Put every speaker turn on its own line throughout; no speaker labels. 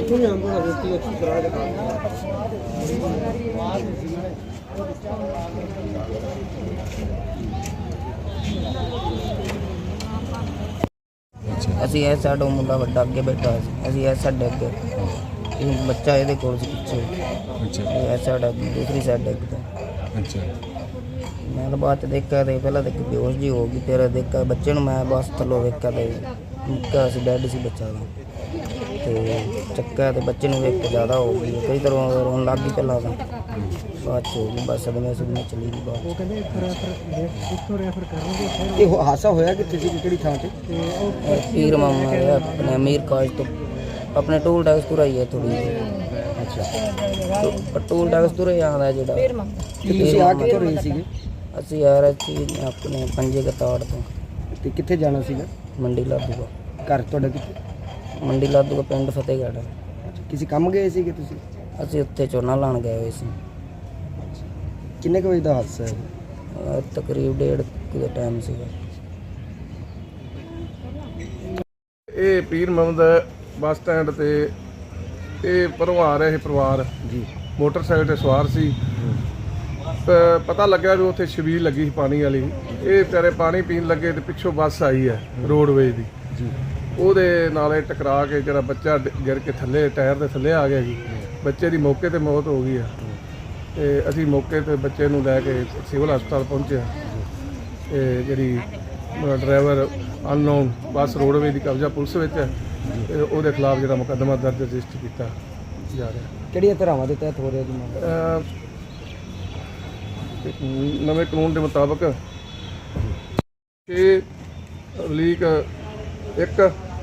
ਅਸੀਂ ਇਹ ਸਾਡਾ ਮੁੰਡਾ ਵੱਡਾ ਅੱਗੇ ਬੈਠਾ ਸੀ, ਅਸੀਂ ਇਹ ਸਾਡੇ ਅੱਗੇ ਬੱਚਾ ਇਹਦੇ ਕੋਲ ਸੀ ਪਿੱਛੇ।
ਅੱਛਾ
ਇਹ ਸਾਡਾ ਦੂਸਰੀ ਸਾਈਡ ਡਿੱਗਦਾ।
ਅੱਛਾ
ਮੈਂ ਤਾਂ ਬਾਅਦ 'ਚ ਦੇਖਿਆ ਤੇ ਪਹਿਲਾਂ ਤਾਂ ਬੇਹੋਸ਼ ਜੀ ਹੋ ਗਈ। ਫਿਰ ਦੇਖਿਆ ਬੱਚੇ ਨੂੰ, ਮੈਂ ਬਸ ਥੱਲੋਂ ਵੇਖਿਆ ਤੇ ਮੁੱਕਾ ਸੀ, ਡੈਡ ਸੀ ਬੱਚਾ ਦਾ। ਤੇ ਚੱਕਿਆ ਤੇ ਬੱਚੇ ਨੂੰ ਵੇਖ ਕੇ ਜ਼ਿਆਦਾ ਹੋ ਗਈ, ਕਈ ਤਰ੍ਹਾਂ ਰੋਣ ਲੱਗ ਗਈ ਪਹਿਲਾਂ ਤਾਂ, ਬਾਅਦ 'ਚ ਹੋ ਗਈ ਬਸ ਸਦਮੇ ਚਲੀ ਗਈ ਬਾਅਦ।
ਇਹ ਹਾਦਸਾ ਹੋਇਆ ਕਿੱਥੇ ਸੀ, ਕਿਹੜੀ ਥਾਂ ਤੇ?
ਪੀਰ ਮਾਮਾ ਹੈ ਆਪਣੇ ਅਮੀਰ ਕਾਜ ਤੋਂ, ਆਪਣੇ ਟੂਲ ਟੈਕਸ ਤੋਂ ਹੀ ਹੈ ਥੋੜੀ। ਅੱਛਾ ਟੂਲ ਟੈਕਸ ਤੋਂ ਹੀ ਆਉਂਦਾ ਜਿਹੜਾ।
ਤੁਸੀਂ ਆ ਕਿੱਥੋਂ ਰਹੇ ਸੀਗੇ?
ਅਸੀਂ ਆ ਰਹੇ ਸੀ ਆਪਣੇ ਪੰਜੇ ਕਤਾੜ ਤੋਂ।
ਤੇ ਕਿੱਥੇ ਜਾਣਾ ਸੀਗਾ?
ਮੰਡੀ ਲਾਧੂਗਾ।
ਘਰ ਤੁਹਾਡਾ ਕਿੱਥੇ?
ਮੰਡੀ ਲਾਧੂਗਾ, ਪਿੰਡ ਫਤਿਹਗੜ੍ਹ।
ਕਿਸੇ ਕੰਮ ਗਏ ਸੀਗੇ ਤੁਸੀਂ?
ਅਸੀਂ ਉੱਥੇ ਝੋਨਾ ਲਾਉਣ ਗਏ ਹੋਏ ਸੀ।
ਕਿੰਨੇ ਕੁ ਵਜੇ ਦਾ ਹਾਦਸਾ ਹੈ?
ਤਕਰੀਬ 1:30 ਦਾ ਟਾਈਮ ਸੀਗਾ।
ਇਹ ਪੀਰ ਮੁਹੰਮਦ ਬੱਸ ਸਟੈਂਡ ਤੇ ਇਹ ਪਰੋਂ ਆ ਰਿਹਾ ਸੀ ਪਰਿਵਾਰ
ਜੀ,
ਮੋਟਰਸਾਈਕਲ ਤੇ ਸਵਾਰ ਸੀ। ਪਤਾ ਲੱਗਿਆ ਵੀ ਉੱਥੇ ਛਬੀਲ ਲੱਗੀ ਸੀ ਪਾਣੀ ਵਾਲੀ। ਇਹ ਵਿਚਾਰੇ ਪਾਣੀ ਪੀਣ ਲੱਗੇ ਤੇ ਪਿੱਛੋਂ ਬੱਸ ਆਈ ਹੈ ਰੋਡਵੇਜ਼ ਦੀ
ਜੀ,
ਉਹਦੇ ਨਾਲੇ ਟਕਰਾ ਕੇ ਜਿਹੜਾ ਬੱਚਾ ਗਿਰ ਕੇ ਥੱਲੇ ਟਾਇਰ ਦੇ ਥੱਲੇ ਆ ਗਿਆ ਜੀ। ਬੱਚੇ ਦੀ ਮੌਕੇ ਤੇ ਮੌਤ ਹੋ ਗਈ ਆ। ਤੇ ਅਸੀਂ ਮੌਕੇ ਤੇ ਬੱਚੇ ਨੂੰ ਲੈ ਕੇ ਸਿਵਲ ਹਸਪਤਾਲ ਪਹੁੰਚੇ। ਤੇ ਜਿਹੜੀ ਡਰਾਈਵਰ ਅਨਨੋਨ ਬੱਸ ਰੋਡਵੇਜ਼ ਦੀ ਕਬਜ਼ਾ ਪੁਲਿਸ ਵਿੱਚ ਹੈ ਤੇ ਉਹਦੇ ਖਿਲਾਫ ਜਿਹੜਾ ਮੁਕੱਦਮਾ ਦਰਜ ਰਜਿਸਟਰ ਕੀਤਾ ਜਾ ਰਿਹਾ।
ਕਿਹੜੀਆਂ ਧਾਰਾਵਾਂ ਦੇ ਤਹਿਤ ਹੋ ਰਿਹਾ ਜੀ ਮਾਮਲਾ?
ਨਵੇਂ ਕਾਨੂੰਨ ਦੇ ਮੁਤਾਬਕ 6 ਲੀਕ 1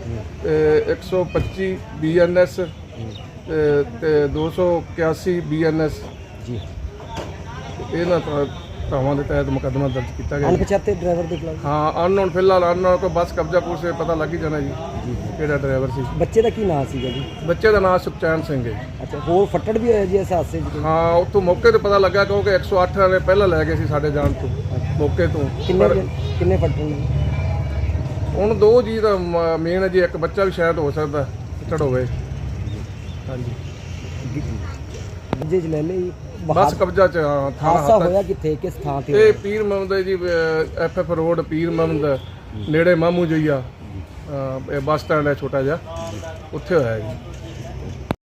125 BNS ਤੇ 281 BNS
ਜੀ,
ਇਹਨਾਂ ਧਾਰਾਵਾਂ ਦੇ ਤਹਿਤ ਮੁਕੱਦਮਾ ਦਰਜ ਕੀਤਾ ਗਿਆ।
ਅਣਪਛਾਤੇ ਡਰਾਈਵਰ ਦੇ ਖਿਲਾਫ?
ਹਾਂ, ਅਨਨੋਨ ਫਿਲਹਾਲ ਅਨਨੋਨ ਕੋਈ ਬੱਸ ਕਬਜ਼ਾ ਪੁਲਿਸ ਨੂੰ ਪਤਾ ਲੱਗ ਹੀ ਜਾਣਾ ਜੀ ਕਿਹੜਾ ਡਰਾਈਵਰ ਸੀ।
ਬੱਚੇ ਦਾ ਕੀ ਨਾਂ ਸੀਗਾ ਜੀ?
ਬੱਚੇ ਦਾ ਨਾਮ ਸੁਖਚੈਨ ਸਿੰਘ ਹੈ।
ਅੱਛਾ, ਹੋਰ ਫੱਟੜ ਵੀ ਹੋਇਆ ਜੀ ਇਸ ਹਾਦਸੇ 'ਚ?
ਹਾਂ, ਉੱਥੋਂ ਮੌਕੇ ਤੇ ਪਤਾ ਲੱਗਾ ਕਿਉਂਕਿ 108 ਵਾਲੇ ਪਹਿਲਾਂ ਲੈ ਗਏ ਸੀ ਸਾਡੇ ਜਾਣ ਤੋਂ ਮੌਕੇ ਤੋਂ।
ਕਿੰਨੇ ਫੱਟੜ ਨੇ?
ਹੁਣ 2 ਜੀ ਦਾ ਮੇਨ ਹੈ ਜੀ, ਇੱਕ ਬੱਚਾ ਵੀ ਸ਼ਾਇਦ ਹੋ ਸਕਦਾ ਫੱਟੜ ਹੋਵੇ। ਹਾਂਜੀ,
ਕਬਜ਼ੇ 'ਚ ਲੈ ਲਈ ਜੀ।
ਬੱਸ ਕਬਜ਼ਾ ਚ।
ਹਾਦਸਾ ਹੋਇਆ ਕਿੱਥੇ, ਕਿਸ ਥਾਂ ਤੇ?
ਇਹ ਪੀਰ ਮੁਹੰਮਦ ਜੀ, FF ਰੋਡ ਪੀਰ ਮੁਹੰਮਦ ਨੇੜੇ ਮਾਮੂ ਜਈਆ ਬੱਸ ਸਟੈਂਡ ਹੈ ਛੋਟਾ ਜਿਹਾ, ਉੱਥੇ ਹੋਇਆ ਜੀ।